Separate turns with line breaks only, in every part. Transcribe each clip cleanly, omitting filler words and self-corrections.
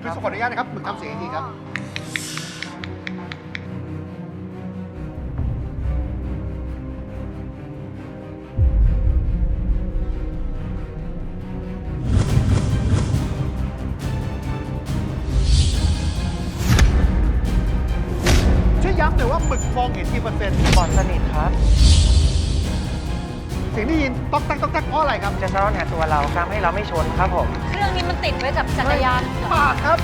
พี่สุขออนุญาตนะครับหมึกทำเสียงอีกทีครับช่วยย้ำหน่อยว่าหมึกมองเห็นกี่เปอร์เซ็นต์
บอดสนิทครับ
เสียงได้ยินต๊อกแต๊กต๊อกแต๊กเพราะอะไรครับ
จะสะท้อนหาตัวเราทำให้เราไม่ชนครับผม
เครื่องนี้มันติดไว้กับจักรยานเหรอ
ปากครับ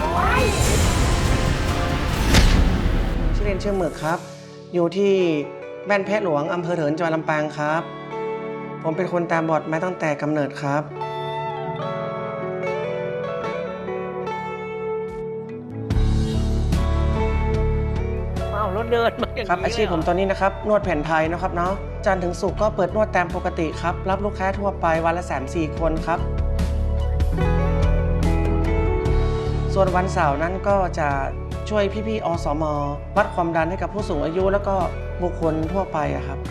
ชื่อเล่นชื่อหมึกครับ อยู่ที่บ้านแพะหลวงอำเภอเถินจังหวัดลำปางครับ ผมเป็นคนตาบอดมาตั้งแต่กำเนิดครับอ้าวรถเดินมาอย่างนี้ครับอาชีพผมตอนนี้นะครับนวดแผนไทยนะครับเนาะจันทร์ถึงศุกร์ก็เปิดนวดตามปกติครับรับลูกค้าทั่วไปวันละ 3-4 คนครับ ส่วนวันเสาร์นั้นก็จะช่วยพี่ๆอสมวัดความดันให้กับผู้สูงอายุแล้วก็บุคคลทั่วไปอะครับ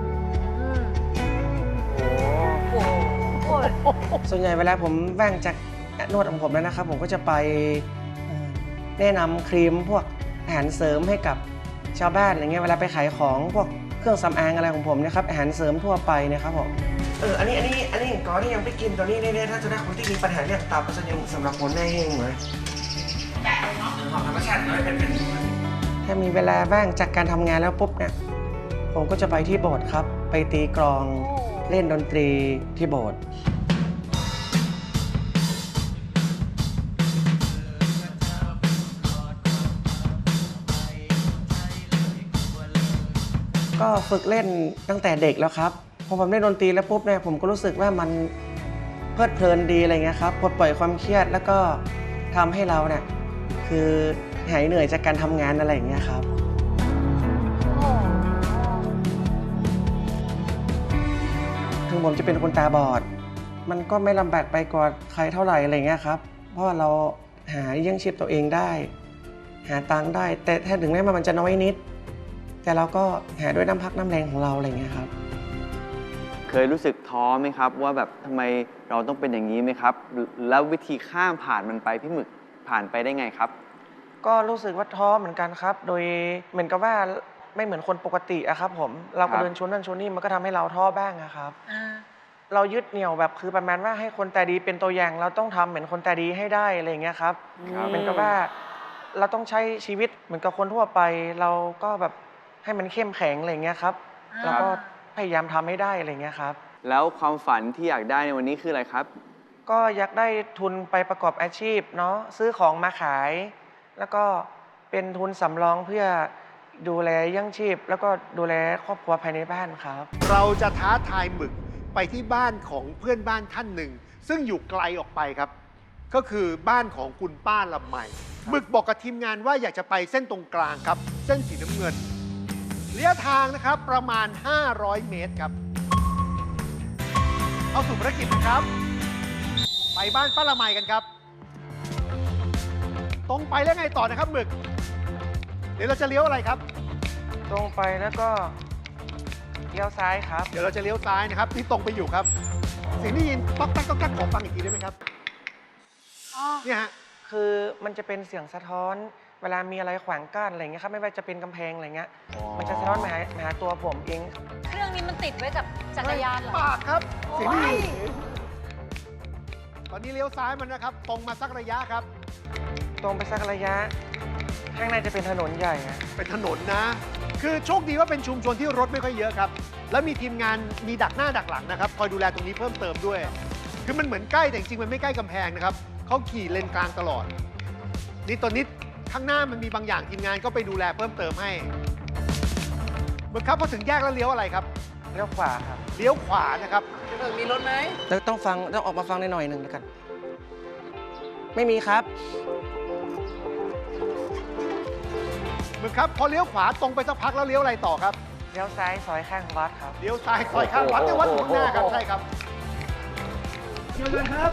โอ้โห
ส่วนใหญ่เวลาผมว่างจากนวดของผมแล้วนะครับ ผมก็จะไปแนะนำครีมพวกอาหารเสริมให้กับชาวบ้านอะไรเงี้ยเวลาไปขายของพวกเครื่องสำอางอะไรของผมนะครับอาหารเสริมทั่วไปนะครับผมอันนี้ก่อนที่ยังไม่กินตัวนี้เนี่ยถ้าจะได้คนที่มีปัญหาเรื่องตับจะยังสำหรับคนได้เองเลยของธรรมชาติน้อยเป็นถ้ามีเวลาว่างจากการทำงานแล้วปุ๊บเนี่ยผมก็จะไปที่โบสถ์ครับไปตีกลองเล่นดนตรีที่โบสถ์ก็ฝึกเล่นตั้งแต่เด็กแล้วครับพอผมเล่นดนตรีแล้วปุ๊บเนี่ยผมก็รู้สึกว่ามันเพลิดเพลินดีอะไรเงี้ยครับปลดปล่อยความเครียดแล้วก็ทำให้เราเนี่ยคือหายเหนื่อยจากการทำงานอะไรอย่างเงี้ยครับถึงผมจะเป็นคนตาบอดมันก็ไม่ลำบากไปกว่าใครเท่าไหร่อะไรเงี้ยครับเพราะว่าเราหาเลี้ยงชีพตัวเองได้หาตังค์ได้แต่ถ้าถึงแม้มันจะน้อยนิดแต่เราก็หาด้วยน้ำพักน้ำแรงของเราอะไรเงี้ยครับ
เคยรู้สึกท้อไหมครับว่าแบบทำไมเราต้องเป็นอย่างนี้ไหมครับแล้ววิธีข้ามผ่านมันไปพี่หมึกผ่านไปได้ไงครับ
ก็รู้สึกว่าท้อเหมือนกันครับโดยเหมือนกับว่าไม่เหมือนคนปกติอะครับผมเราก็เดินชนนั่นชนนี่มันก็ทำให้เราท้อบ้างอะครับเรายึดเหนี่ยวแบบคือประมาณว่าให้คนตาดีเป็นตัวอย่างเราต้องทำเหมือนคนตาดีให้ได้อะไรอย่างเงี้ยครับเหมือนกับว่าเราต้องใช้ชีวิตเหมือนกับคนทั่วไปเราก็แบบให้มันเข้มแข็งอะไรอย่างเงี้ยครับแล้วก็พยายามทำให้ได้อะไรอย่างเงี้ยครับ
แล้วความฝันที่อยากได้ในวันนี้คืออะไรครับ
ก็อยากได้ทุนไปประกอบอาชีพเนาะซื้อของมาขายแล้วก็เป็นทุนสำรองเพื่อดูแลยั่งชีพแล้วก็ดูแลครอบครัวภายในบ้านครับ
เราจะท้าทายหมึกไปที่บ้านของเพื่อนบ้านท่านหนึ่งซึ่งอยู่ไกลออกไปครับก็คือบ้านของคุณป้าลำไมหมึกบอกกับทีมงานว่าอยากจะไปเส้นตรงกลางครับเส้นสีน้ำเงินระยะทางนะครับประมาณ500 เมตรครับเอาสู่ภารกิจนะครับไปบ้านป้าละไมกันครับตรงไปแล้วไงต่อนะครับหมึกเดี๋ยวเราจะเลี้ยวอะไรครับ
ตรงไปแล้วก็เลี้ยวซ้ายครับ
เดี๋ยวเราจะเลี้ยวซ้ายนะครับที่ตรงไปอยู่ครับเสียงได้ยินต๊อกแต๊กต๊อกแต๊กขอฟังอีกทีได้ไหมครับเนี่ยฮะ
คือมันจะเป็นเสียงสะท้อนเวลามีอะไรขวางกั้นอะไรเงี้ยครับไม่ว่าจะเป็นกำแพงอะไรเงี้ยมันจะสะท้อนมาหาตัวผมเอง
เครื่องนี้มันติดไว้กับจักรยานเหรอ
ปากครับเสียงได้ยินตอนนี้เลี้ยวซ้ายมันนะครับตรงมาสักระยะครับ
ตรงไปสักระยะข้างในจะเป็นถนนใหญ่
เป็นถนนนะคือโชคดีว่าเป็นชุมชนที่รถไม่ค่อยเยอะครับแล้วมีทีมงานมีดักหน้าดักหลังนะครับคอยดูแลตรงนี้เพิ่มเติมด้วยคือมันเหมือนใกล้แต่จริงๆมันไม่ใกล้กำแพงนะครับเขาขี่เลนกลางตลอดนี่ตอนนี้ข้างหน้ามันมีบางอย่างทีมงานก็ไปดูแลเพิ่มเติมให้เมื่อครับพอถึงแยกแล้วเลี้ยวอะไรครับ
เลี้ยวขวาครับ
เลี้ยวขวานะครับ
มีรถไหมต้องออกมาฟังหน่อยหนึ่งแล้วกันไม่มีครับ
เหมือนครับพอเลี้ยวขวาตรงไปสักพักแล้วเลี้ยวอะไรต่อครับ
เลี้ยวซ้ายซอยข้างวัดครับ
เลี้ยวซ้ายซอยข้างวัดในวัดอยู่ข้างหน้าครับใช่ครับเดี๋ยวเลยครับ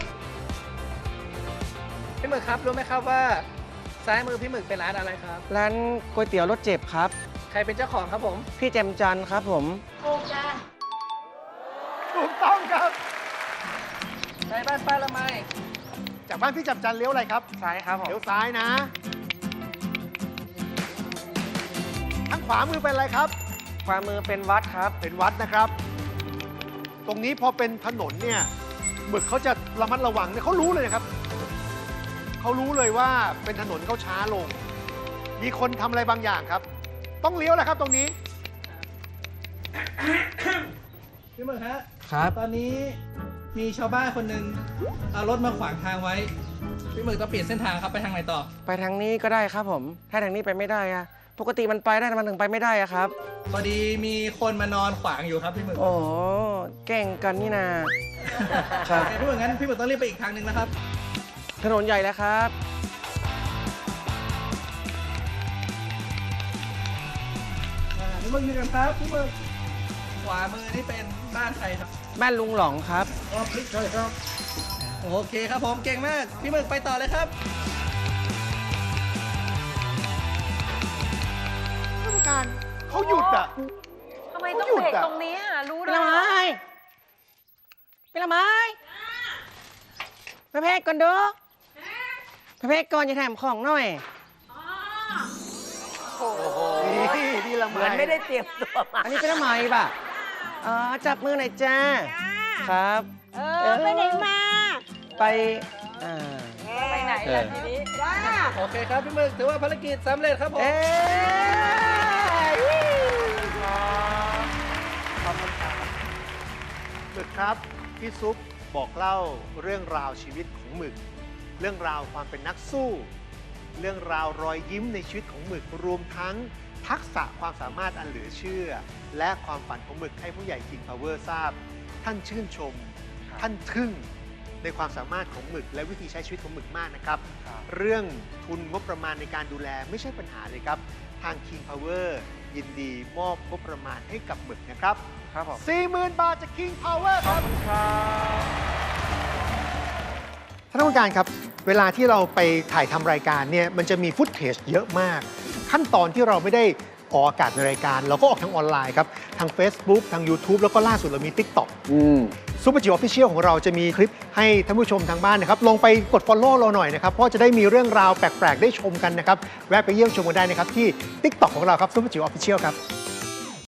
พี่หมึกครับรู้ไหมครับว่าซ้ายมือพี่หมึกเป็นร้านอะไรครับ
ร้านก๋วยเตี๋ยวรสเจ็บครับ
ใครเป็นเจ้าของครับผม
พี่แจมจันครับผม
ถูกจ้า
ถูกต้องครับ
ใช่บ้านป้าละไม
จากบ้านพี่จับจันเลี้ยวอะไรครับ
ซ้ายครับผม
เลี้ยวซ้ายนะ ทางขวามือเป็นอะไรครับ
ขวามือเป็นวัดครับ
เป็นวัดนะครับ ตรงนี้พอเป็นถนนเนี่ยหมึกเขาจะระมัดระวังเนี่ยเขารู้เลยนะครับ เขารู้เลยว่าเป็นถนนเขาช้าลง มีคนทำอะไรบางอย่างครับ ต้องเลี้ยวแหละครับตรงนี้
พี่หมึกฮะ
ครับ
ตอนนี้มีชาวบ้านคนหนึ่งเอารถมาขวางทางไว้ พี่หมึกต้องเปลี่ยนเส้นทางครับไปทางไหนต่อ
ไปทางนี้ก็ได้ครับผม ถ้าทางนี้ไปไม่ได้อะปกติมันไปได้แต่มันถึงไปไม่ได้อะครับ
พอดีมีคนมานอนขวางอยู่ครับพี่หมึก
โอ้โหแก่งกันนี่นา ครับ
โอเคพี่หมึกงั้นพี่หมึกต้องรีบไปอีกทางหนึ่งนะครับ
ถนนใหญ่แล้วครับ
พี่หมึกยืนกันครับพี่หมึกขวามือนี่เป็นบ้านใครครับ
บ้านลุงหลองครับ
อ๋อพลิกใช่ครับโอเคครับผมเก่งมากพี่หมึกไปต่อเลยครับ
ท่านผู้การเขาหยุดอ่ะ
ทำไมต้อง
เขาหยุด
เบรก
อะ
ตรงนี้อ่ะ รู้
เป็น
ด้ว
ละ
ย
ไม้
อะ
เป็นละไม้พระเพกก่อนเด้อพระเพกก่อนจะแถมของหน่อย
นี่ละ
เหมือนไม่ได้เตรียมตัวมา
อันนี้เป็นละไม้ป่ะอ๋อจับมือหน่อยจ้า ครับ
ไปไหนมา
ไปอ่า
ไปไหนล่ะทีนี้
จ้า
โอเคครับพี่หมึกถือว่าภารกิจสำเร็จครับผม
เอ๊ะ
หมึกครับ พี่ซุปบอกเล่าเรื่องราวชีวิตของหมึก เรื่องราวความเป็นนักสู้ เรื่องราวรอยยิ้มในชีวิตของหมึกรวมทั้งทักษะความสามารถอันเหลือเชื่อ และความฝันของหมึกให้ผู้ใหญ่ King Power ทราบ ท่านชื่นชม ท่านทึ่งในความสามารถของหมึก และวิธีใช้ชีวิตของหมึกมากนะครับ เรื่องทุนงบประมาณในการดูแลไม่ใช่ปัญหาเลยครับ ทาง King Power ยินดีมอบงบประมาณให้กับหมึกนะครับ
ครับผม
40,000 บาทจาก King Power ครับท่านผู้การครับ เวลาที่เราไปถ่ายทำรายการเนี่ยมันจะมีฟุตเทจเยอะมาก ขั้นตอนที่เราไม่ได้ออกอากาศในรายการ เราก็ออกทางออนไลน์ครับ ทาง Facebook ทาง YouTube แล้วก็ล่าสุดเรามี TikTok ซูเปอร์จิ๋วออฟฟิเชียลของเราจะมีคลิปให้ท่านผู้ชมทางบ้านนะครับ ลงไปกด Follow เราหน่อยนะครับ เพราะจะได้มีเรื่องราวแปลก ๆ ได้ชมกันนะครับ แวะไปเยี่ยมชมกันได้นะครับ ที่ TikTok ของเราครับซูเปอร์จิ๋วออฟฟิเชียลครับ